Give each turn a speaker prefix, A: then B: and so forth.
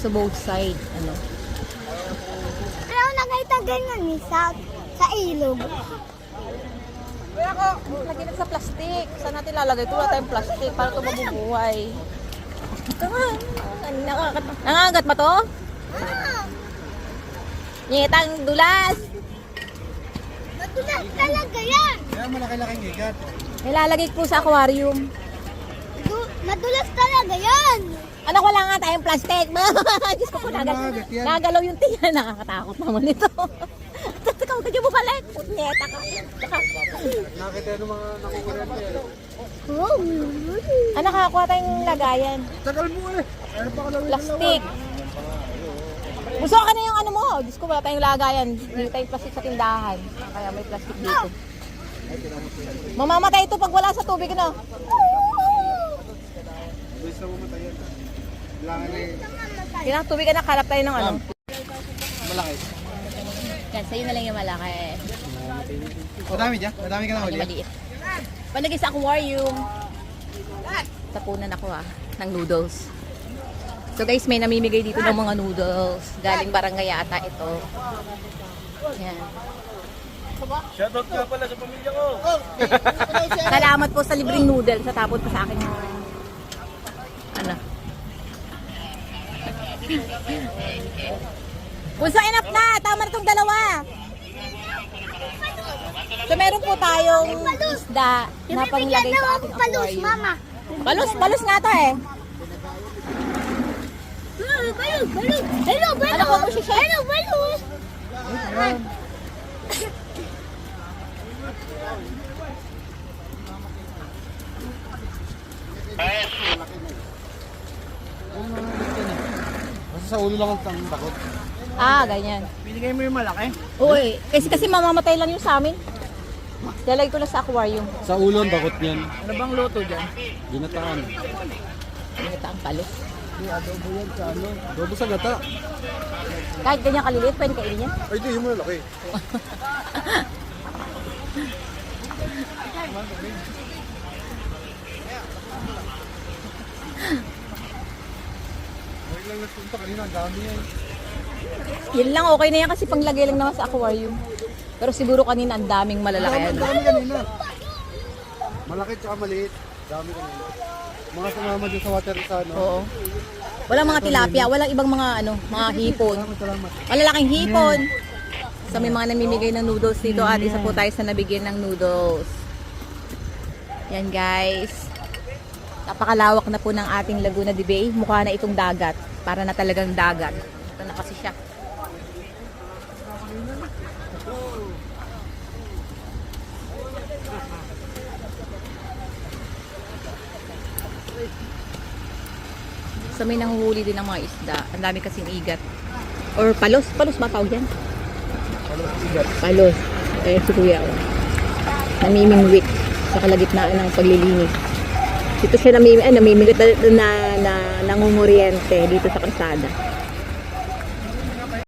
A: sa both side. Ano?
B: Pero nakita ganyan ni sa ilog.
A: Kaya ako, lagyan natin sa plastic. Saan natin lalagay? Ito wala tayong plastic para ito mabubuhay. Nangangagat ba to? Nyetang dulas.
B: Madulas talaga yan.
C: Kaya malaki-laking igat.
A: Nilalagay po sa aquarium.
B: Madulas talaga yan.
A: Anak, wala nga tayong plastic. Diyos ko po, nagalaw yung tiyan. Nakakatakot naman ito. Ikaw, kaya mo balik. Punyeta ka.
C: Nakita yung mga nakukurente.
B: Oh.
A: Anak, nakakuha tayong lagayan.
C: Tagal mo eh. Ano pa kalawin
A: Plastic. Gusto ka na yung ano mo. Diyos ko, wala tayong lagayan. Hindi tayong plastic sa tindahan. Kaya may plastic dito. Mamamatay ito pag wala sa tubig, no?
C: Gusto mo matayan. Kailangan eh.
A: Kailangan tubig, anak. Hanap tayo ng ano.
C: Malaki.
A: Yan, sa'yo na lang yung malaki.
C: Madami dyan? Madami ka na
A: Yung
C: huli?
A: maliit. Palagay sa aquarium. Tapunan ako ng noodles. So guys, may namimigay dito ng mga noodles. Galing barangay ata ito. Yan.
C: Shoutout ka pala sa pamilya ko.
A: Salamat po sa libreng noodles. Sa tapon pa sa akin yung ano. Puso, enough na! Tama na itong dalawa! So meron po tayong isda na panglagay sa ating
B: Palus,
A: aquarium.
B: mama.
A: Balus nga to eh.
B: Balus, balus. Hello, balus.
A: Ano ko po siya?
B: Hello, balus.
C: Basta sa ulo lang ang takot.
A: Ah, ganyan.
C: Binigay mo yung malaki?
A: Uy, kasi mamamatay lang yung sa amin. Lalagay ko na sa aquarium.
C: Sa ulo ang takot niyan.
D: Ano bang luto dyan?
C: Ginataan.
A: Ito ang palos.
C: Hindi, adobo yan sa ano. Adobo sa gata.
A: Kahit ganyan kaliliit, pwede kainin yan.
C: Ay, di, yung malaki. Huwag lang nagpunta kanina, ang dami yan.
A: Yan lang, okay na yan kasi panglagay lang naman sa aquarium. Pero siguro kanina ang daming malalaki.
C: Ang dami kanina. Malaki tsaka maliit. Dami kanina. Mga sumama dyan sa water sa ano.
A: Oo. Walang mga tilapia, walang ibang mga mga hipon.
C: Salamat.
A: Malalaking hipon. So may mga namimigay ng noodles dito at isa po tayo sa nabigyan ng noodles. Yan guys. Napakalawak na po ng ating Laguna de Bay. Mukha na itong dagat. Para na talagang dagat. Ito na kasi siya. So may nanguhuli din ng mga isda. Ang dami kasing igat. Or palos. Palos ba tawag yan? Palos. Eh, si Kuya. Namimingwit sa kalagitnaan ng paglilinis. Dito siya namimigat na nangunguriente dito sa kalsada.